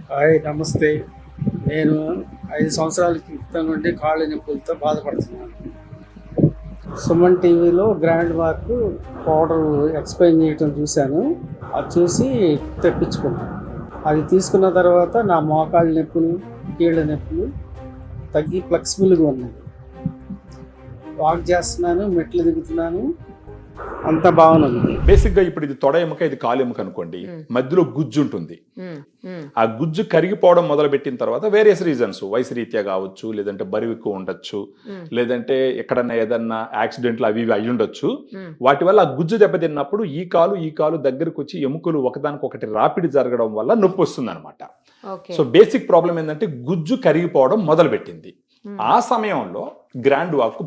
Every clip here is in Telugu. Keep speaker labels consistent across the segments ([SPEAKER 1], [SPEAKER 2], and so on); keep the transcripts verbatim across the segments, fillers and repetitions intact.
[SPEAKER 1] హాయ్ నమస్తే. నేను ఐదు సంవత్సరాల క్రితం నుండి కాళ్ళ నొప్పులతో బాధపడుతున్నాను. సుమన్ టీవీలో గ్రాండ్ వాక్ పౌడర్ ఎక్స్ప్లెయిన్ చేయటం చూశాను. అది చూసి తెప్పించుకున్నాను. అది తీసుకున్న తర్వాత నా మోకాళ్ళ నొప్పులు, కీళ్ళ నొప్పులు తగ్గి ఫ్లెక్సిబుల్గా ఉన్నాయి. వాక్ చేస్తున్నాను, మెట్లు దిగుతున్నాను, అంతా బాగుంది.
[SPEAKER 2] బేసిక్ గా ఇప్పుడు ఇది తొడ ఎముక, ఇది కాలు ఎముక అనుకోండి, మధ్యలో గుజ్జు ఉంటుంది. ఆ గుజ్జు కరిగిపోవడం మొదలు పెట్టిన తర్వాత వేరియస్ రీజన్స్, వయసు రీత్యా కావచ్చు, లేదంటే బరువు ఎక్కువ ఉండొచ్చు, లేదంటే ఎక్కడన్నా ఏదన్నా యాక్సిడెంట్లు అవి ఇవి అయి ఉండొచ్చు. వాటి వల్ల ఆ గుజ్జు దెబ్బతిన్నప్పుడు ఈ కాలు ఈ కాలు దగ్గరకు వచ్చి ఎముకలు ఒకదానికి ఒకటి రాపిడి జరగడం వల్ల నొప్పి వస్తుంది అనమాట. సో బేసిక్ ప్రాబ్లం ఏంటంటే గుజ్జు కరిగిపోవడం మొదలు పెట్టింది. ఆ సమయంలో గ్రాండ్ వాక్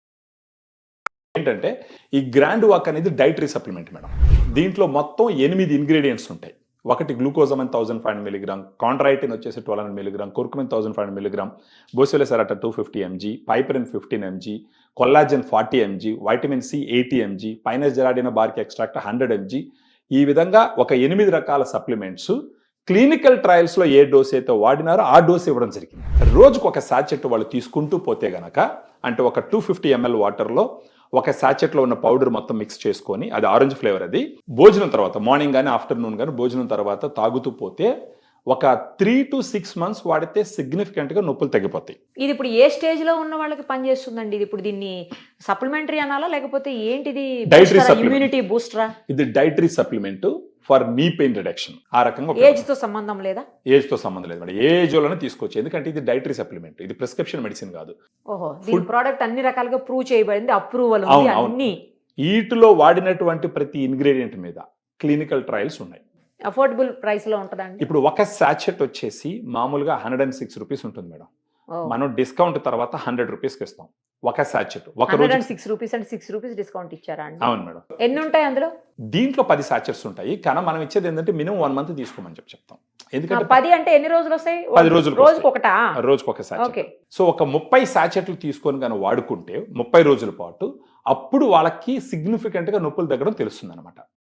[SPEAKER 2] ఏంటంటే, ఈ గ్రాండ్ వాక్ అనేది డైటరీ సప్లిమెంట్ మేడం. దీంట్లో మొత్తం ఎనిమిది ఇంగ్రీడియంట్స్ ఉంటాయి. ఒకటి glucosamine thousand five hundred milligram, chondroitin వచ్చేసి twelve hundred milligram, curcumin thousand five hundred milligram, boswellia serrata two fifty MG, piperine fifteen MG, collagen forty MG, vitamin C eighty MG, pinus gerardiana bark extract hundred MG. ఈ విధంగా ఒక ఎనిమిది రకాల సప్లిమెంట్స్ క్లినికల్ ట్రయల్స్ లో ఏ డోస్ అయితే వాడినారో ఆ డోస్ ఇవ్వడం జరిగింది. రోజుకు ఒక సాచెట్ వాళ్ళు తీసుకుంటూ పోతే గనక, అంటే ఒక టూ ఫిఫ్టీ ఎంఎల్ వాటర్లో ఒక సాచెట్లో ఉన్న పౌడర్ మొత్తం మిక్స్ చేసుకొని, అది ఆరెంజ్ ఫ్లేవర్, అది భోజనం తర్వాత మార్నింగ్ కానీ ఆఫ్టర్నూన్ కానీ భోజనం తర్వాత తాగుతూ పోతే ఒక త్రీ టు సిక్స్ మంత్స్ వాడితే సిగ్నిఫికెంట్ గా నొప్పులు తగ్గిపోతాయి.
[SPEAKER 3] ఇది ఇప్పుడు ఏ స్టేజ్ లో ఉన్న వాళ్ళకి పనిచేస్తుందండి? ఇది ఇప్పుడు దీన్ని సప్లిమెంటరీ అనాలా లేకపోతే ఏంటిది?
[SPEAKER 2] డైటరీ
[SPEAKER 3] ఇమ్యూనిటీ బూస్టరా?
[SPEAKER 2] ఇది dietary supplement for knee pain reduction. ఆ రకంగా
[SPEAKER 3] ఏజ్ తో సంబంధం లేదా?
[SPEAKER 2] ఏజ్ తో సంబంధం లేదు మేడం, ఏజ్ లోనే తీసుకోవచ్చు. ఎందుకంటే ఇది డైటరీ సప్లిమెంట్, ఇది ప్రిస్క్రిప్షన్ మెడిసిన్ కాదు.
[SPEAKER 3] ఓహో, దీని ప్రోడక్ట్ అన్ని రకాలుగా ప్రూవ్ చేయబడింది, అప్రూవల్ ఉంది అన్ని.
[SPEAKER 2] వీటిలో వాడినటువంటి ప్రతి ఇంగ్రీడియంట్ మీద క్లినికల్ ట్రయల్స్ ఉన్నాయి.
[SPEAKER 3] అఫోర్డబుల్ ప్రైస్ లో ఉంటుందండి.
[SPEAKER 2] ఇప్పుడు ఒక సాచెట్ వచ్చేసి మామూలుగా హండ్రెడ్ అండ్ సిక్స్ రూపీస్ ఉంటుంది మేడం. మనం డిస్కౌంట్ తర్వాత హండ్రెడ్ రూపీస్ కి ఇస్తాం ఒక సాచెట్. ఒక రోజు
[SPEAKER 3] సిక్స్ రూపీస్ అంటే సిక్స్ రూపీస్ డిస్కౌంట్ ఇచ్చారా అండి?
[SPEAKER 2] అవును మేడం.
[SPEAKER 3] ఎన్ని ఉంటాయి అందులో?
[SPEAKER 2] దీంట్లో పది సాచెట్స్ ఉంటాయి, కానీ మనం ఇచ్చేది ఏంటంటే మినిమం వన్ మంత్ తీసుకోమని చెప్పి చెప్తాం. ఎందుకంటే
[SPEAKER 3] పది అంటే ఎన్ని రోజులు వస్తాయి?
[SPEAKER 2] పది రోజులు,
[SPEAKER 3] రోజుకు ఒకటా?
[SPEAKER 2] రోజుకు ఒక సాచెట్. సో ఒక ముప్పై సాచెట్లు తీసుకొని కానీ వాడుకుంటే ముప్పై రోజుల పాటు, అప్పుడు వాళ్ళకి సిగ్నిఫికెంట్ గా నొప్పులు తగ్గడం తెలుస్తుంది అనమాట.